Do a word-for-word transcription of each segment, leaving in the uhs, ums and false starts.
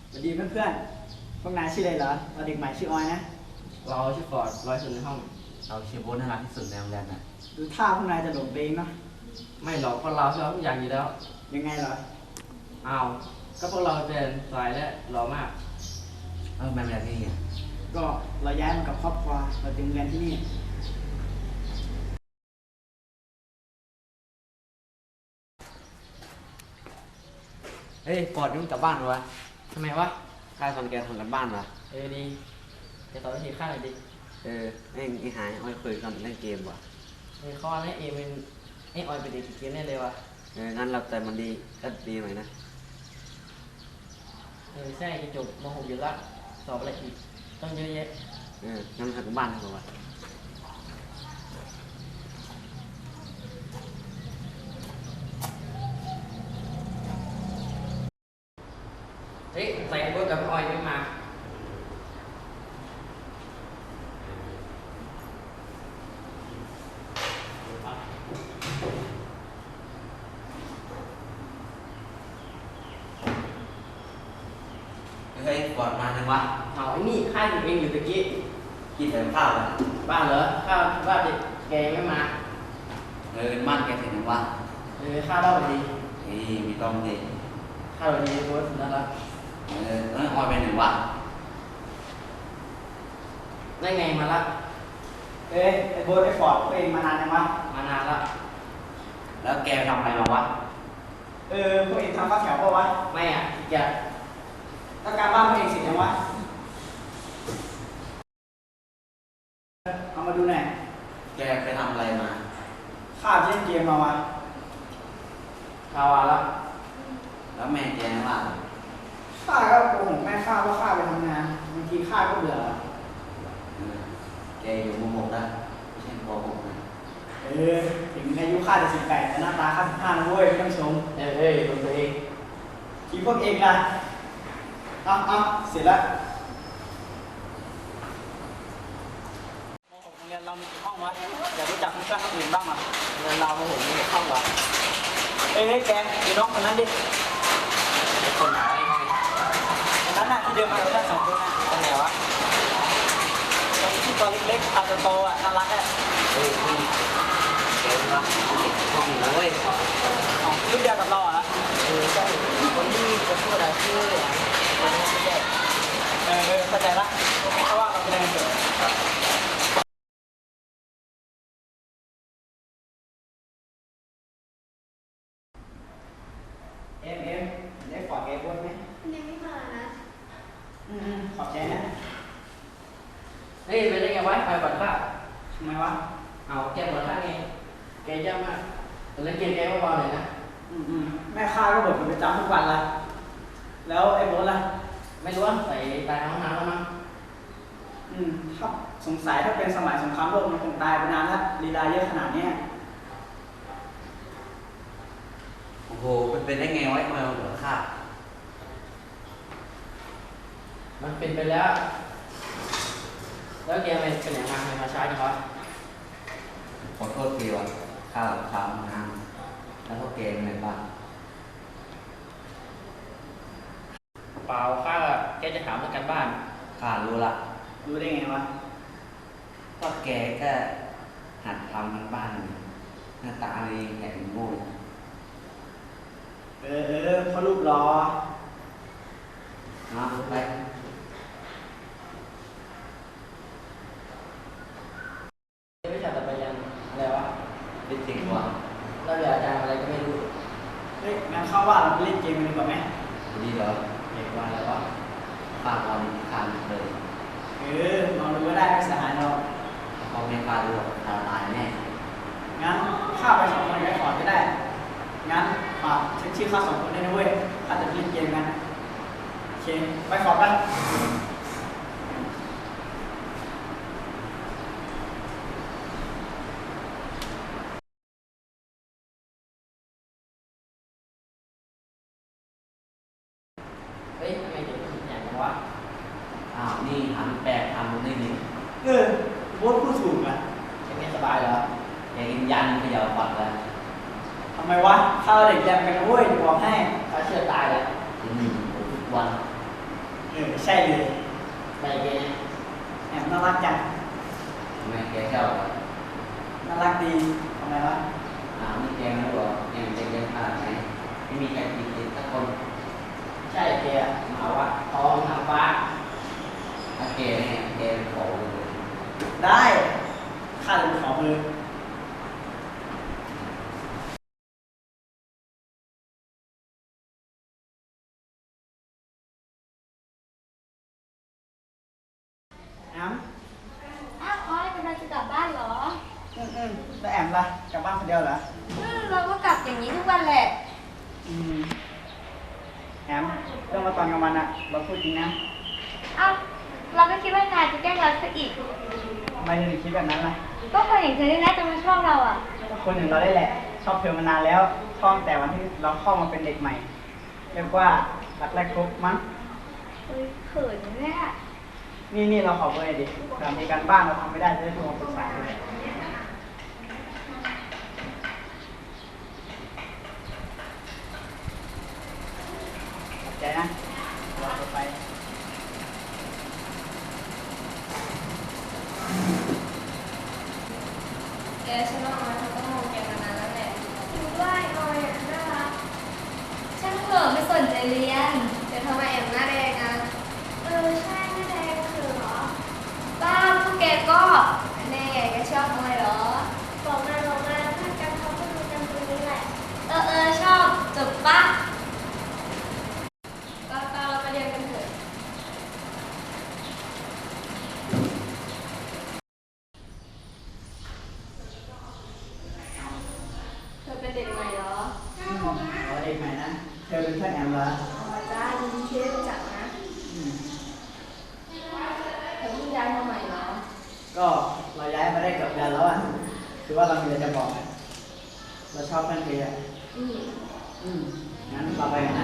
สวัสดีเพื่อนๆพวกนายชื่ออะไรเหรอเราเด็กใหม่ชื่อออยนะเราชื่อฟอร์ดร้อยสุดในห้องเราชื่อโบ๊ทน่ารักที่สุดในโรงเรียนน่ะดูท่าพวกนายจะหลงตัวเองเนาะไม่หรอกเพราะเราชอบทุกอย่างอยู่แล้วยังไงเหรออ้าวก็พวกเราเป็นสายและหล่อมากเออมาเรียนที่นี่ก็เราย้ายมากับครอบครัวเราจึงเรียนที่นี่เฮ้ยฟอร์ดยุ่งกลับบ้านวะทำไมวะข้าสอนแกทำกันบ้านวะเออดีจะตอบวิธีข้าหน่อยดิเออไอ้ไอ้หายอ้อยคุยกันเล่นเกมวะเออข้อนี้เอเป็นไอออยเป็นเด็กเกมแน่เลยวะเอองั้นเราแต่มันดีก็ดีหน่อยนะเออใช่จะจบม .หก อยู่ละสอบอะไรอีกต้องเยอะแยะเอองั้นทำกันบ้านทำกันวะเฮ้ยใส่เบอร์กับออยไม่มาเฮ้ยฟอร์ดมาจังวะเอาไอ้นี่ข้าอยู่เองอยู่ตะกี้กินแต่ข้าวอ่ะบ้านเหรอข้าบ้านเด็กแกไม่มาเออบ้านแกเสร็จยังวะเออข้าเล่าไปดีเฮ้ยมีต้องดิข้าวันนี้โพสต์นะครับเออแล้วออยไปไหนวะได้ไงมาละเอ้ยไอ้โบ๊ทไอ้ฟอร์ดพวกเองมานานยังวะมานานละแล้วแกทำอะไรมาวะเออพวกเองทำข้าวแถวป่าววะไม่อ่ะอย่าแล้วการบ้านพวกเองเสร็จยังวะเอามาดูหน่อยแกไปทำอะไรมาข้าเล่นเกมมาวะข่าวละแล้วแม่แกว่าข้าก็โกหกแม่ข้าว่าข้าไปทำงานบางทีข้าก็เบื่อแกอยู่ม .หก แล้วไม่ใช่ป .หก นะเออถึงอายุข้าจะสิบแปดแต่หน้าตาข้าสิบห้านะเว้ยไม่ต้องชมเออเอ้ยดูตัวเองทีพวกเองนะอ่ะอ่ะเสร็จแล้วม .หก โรงเรียนเรามีกี่ห้องวะอยากรู้จักเพื่อนคนอื่นบ้างอ่ะเงินเราโอ้โหมีเข้าวะเอ้ยแกดูน้องคนนั้นดิคนไหนคนนั้นน่ะที่เดินมากับเพื่อนสองคนน่ะคนไหนวะคนที่ตัวเล็กๆตาโตๆอ่ะน่ารักอ่ะเฮ้ยพี่เก่งวะห้องหนูเว้ยอ๋อรุ่นเดียวกับเราอ่ะเออใช่คนที่จะพูดอะไรชื่ออะไรคนนี้ไม่ใช่เออเออเข้าใจละเพราะว่าเราเป็นเด็กเอ็มเอ็มได้ฝากแกบ้วนไหมยังไม่มานะอืมขอบใจนะเฮ้ยเป็นยังไงวะไปบัตรข้าทำไมวะเอาแกบัตรข้าไงแกย่ำมากแต่เล่นเกมแกเบาๆหน่อยนะอืมอืมแม่ข้าก็บ่นเป็นประจำทุกวันละแล้วไอ้โบ๊ทล่ะไม่รู้ว่าใส่ตายห้องน้ำแล้วมั้งอืมถ้าสงสัยถ้าเป็นสมัยสงครามโลกมันคงตายไปนานแล้วลีลาเยอะขนาดนี้โอ้โหมันเป็นได้ไงวะทำไมมันเหลือค่ามันเป็นไปแล้วแล้วแกไปเป็นไหนมาทำไมมาช้าจังวะขอโทษทีวะข้าทำงานแล้วก็เกมอะไรบ้างเปล่าข้าแกจะถามเรื่องการบ้านข้ารู้ละรู้ได้ไงวะก็แกก็หัดทำกันบ้านหน้าตาเองแหละโง่เออเออเขารูปรอมาไปวิชาต่อไปยังอะไรวะเป็นจริงวะเราเรียนอาจารย์อะไรก็ไม่รู้เฮ้ยงั้นเข้าว่าเราไปเล่นเกมกันดีกว่าไหมดีเหรอเด็กวันแล้ววะฝากเราทานเลยเออลองดูก็ได้ไม่เสียหายเราพอไม่ฝากดูตาตายแน่งั้นข้าไปสองคนไปก่อนก็ได้งั้นฝากเช็คชื่อข้าสองคนได้นะเว้ยข้าจะเล่นเกมกันโอเคไปขอบกันเฮ้ยทำไมเด็กมันใหญ่จังวะอ้าวนี่หันแปลกทำมันได้ดีเออโบ๊ทพูดถูกอ่ะเป็นไงสบายเหรอแกกินยันเขย่าปัดเลยทำไมวะข้าเด็กแยมกันนะเว้ยบอกให้ข้าเชื่อตายเลยจะหนีทุกวันอใช่เลยไปแกแอมน่ารักจังทำไมแกชอบอ่ะน่ารักดีทำไมวะอ้าวนี่แกไม่รู้เหรอแกมันจะเรียนขนาดไหนไม่มีใครติดติดสักคนใช่แกหมาวะทองทางฟ้าถ้าแกเนี่ยแกเป็นขอเลยได้ข้าจะไปขอมือแอมอ้าวออยกำลังจะกลับบ้านเหรออืมอืมแล้วแอมล่ะกลับบ้านคนเดียวเหรออืมเราก็กลับอย่างนี้ทุกวันแหละอืมแอมเรื่องมาตอนกลางวันอะเราพูดจริงนะอ้าวเราก็คิดว่านายจะแกล้งเราซะอีกทำไมถึงคิดแบบนั้นล่ะก็คนอย่างเธอนี่นะจะมาชอบเราอ่ะก็คนอย่างเราได้แหละ ชอบเธอมานานแล้วชอบตั้งแต่วันที่เราเข้ามาเป็นเด็กใหม่ เรียกว่ารักแรกพบมั้งเฮ้ยเขินเนี่ยนี่นี่เราขอเบอร์หน่อยดิเผื่อมีการบ้านเราทำไม่ได้จะได้โทรมาปรึกษาเลยขอบใจนะรอไปแกฉันว่าออยเขาต้องมองแกมานานแล้วแหละคิดว่าออยอ่ะน่ารักช่างเถอะไม่สนใจเรียนเดี๋ยวทำไมแอมหน้าแดงอ่ะเออใช่หน้าแดงคือเหรอบ้าพวกแกก็แน่แกชอบออยเหรอบอกมาบอกมาเพื่อนกันเขาก็รู้กันตรงนี้แหละเออเออชอบจบปะก็เราไปเรียนกันเถอะเธอเป็นเด็กใหม่เหรออืมเอาเด็กใหม่นะ เธอเป็นเพื่อนแอมเหรออ๋อจ้ายินดีที่ได้รู้จักนะอืมเธอเพิ่งย้ายมาใหม่เหรอก็เราย้ายมาได้เกือบเดือนแล้วอ่ะ คือว่าเรามีอะไรจะบอกอะเราชอบเพื่อนเธออ่ะอืมอืมงั้นเราไปกันนะ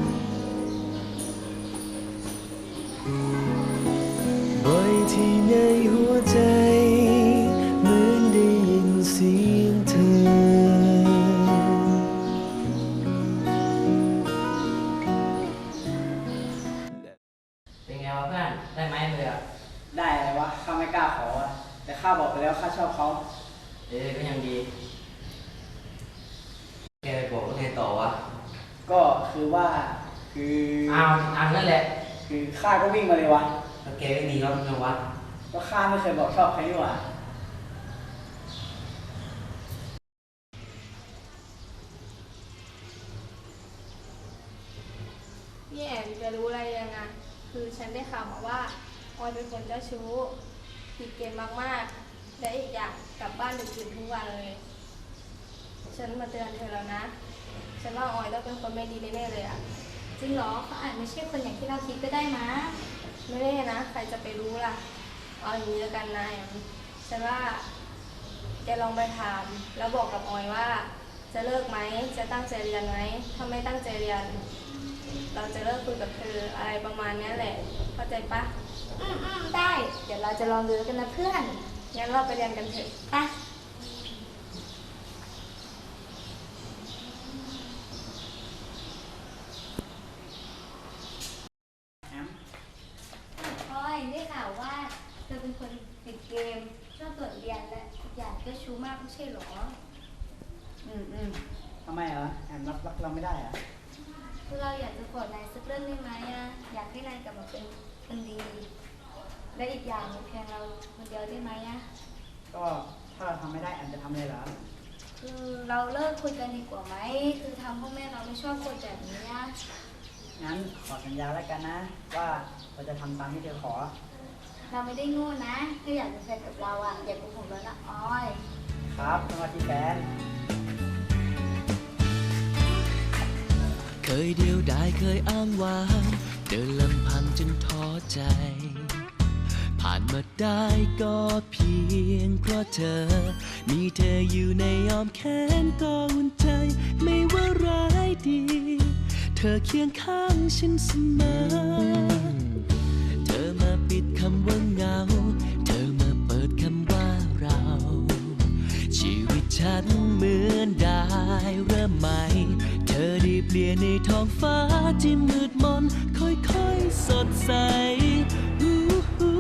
บ่อยที่ในหัวใจเหมือนได้ยินเสียงเธอเป็นไงวะเพื่อนได้ไหมเลยอ่ะได้อะไรวะ ข้าไม่กล้าขออ่ะ แต่ข้าบอกไปแล้วข้าชอบเขาเออก็ยังดีแกไปบอกว่าไงต่อวะก็คือว่า คืออ้าวอันนั่นแหละคือข้าก็วิ่งมาเลยวะแล้วแกไม่มีรถนะวะก็ข้าไม่เคยบอกชอบใครนี่หว่าพี่แอมจะรู้อะไรยังไงคือฉันได้ข่าวมาว่าออยเป็นคนเจ้าชู้ผิดเกณฑ์มากๆ และอีกอย่างกลับบ้านดึกดื่นทุกวันเลย ฉันมาเตือนเธอแล้วนะ ฉันว่าออยต้องเป็นคนไม่ดีแน่ๆเลยอะจริงเหรอเขาอาจไม่ใช่คนอย่างที่เราคิดก็ได้นะไม่ได้นะ ใครจะไปรู้ล่ะ เอาอย่างนี้แล้วกันนะแอมฉันว่าแกลองไปถาม แล้วบอกกับออยว่า จะเลิกไหม จะตั้งใจเรียนไหม ถ้าไม่ตั้งใจเรียน เราจะเลิกคุยกับเธออะไรประมาณนี้แหละ เข้าใจปะอืมอืมได้ เดี๋ยวเราจะลองดูกันนะเพื่อน งั้นเราไปเรียนกันเถอะไปแอมพลอยได้ข่าวว่าเธอเป็นคนติดเกม ชอบตรวจเรียนและอีกอย่างก็ชู้มากไม่ใช่หรออืมอืมทำไมเหรอ แอมรับรักเราไม่ได้เหรอคือเราอยากจะขอนายสักเรื่องได้ไหมอะอยากให้นายกลับมาเป็นคนดี และอีกอย่างเพียงเราคนเดียวได้ไหมอะก็ถ้าเราทำไม่ได้แอมจะทำอะไรเหรอคือเราเลิกคุยกันดีกว่าไหม คือทำพ่อแม่เราไม่ชอบคนแบบนี้อะงั้นขอสัญญาแล้วกันนะ ว่าเราจะทำตามที่เธอขอเราไม่ได้โง่นะถ้าอยากเป็นแฟนกับเราอะอย่าโกหกเรานะออยครับสวัสดีแฟนเคยเดียวดายเคยอ้างว้างเดินลำพังจนท้อใจ ผ่านมาได้ก็เพียงเพราะเธอ มีเธออยู่ในอ้อมแขนก็อุ่นใจ ไม่ว่าร้ายดี เธอเคียงข้างฉันเสมอ เธอมาปิดคำว่าเหงา เธอมาเปิดคำว่าเรา ชีวิตฉันเหมือนได้เริ่มใหม่ เธออได้เปลี่ยนในท้องฟ้าที่มืดมนค่อยๆสดใสอู้หู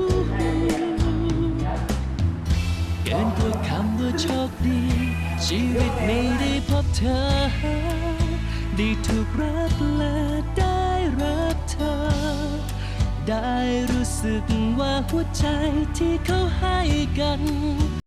เกินกว่าคำว่าโชคดี ชีวิตนี้ได้พบเธอ ได้ถูกรักและได้รับเธอ ได้รู้สึกว่าหัวใจที่เขาให้กัน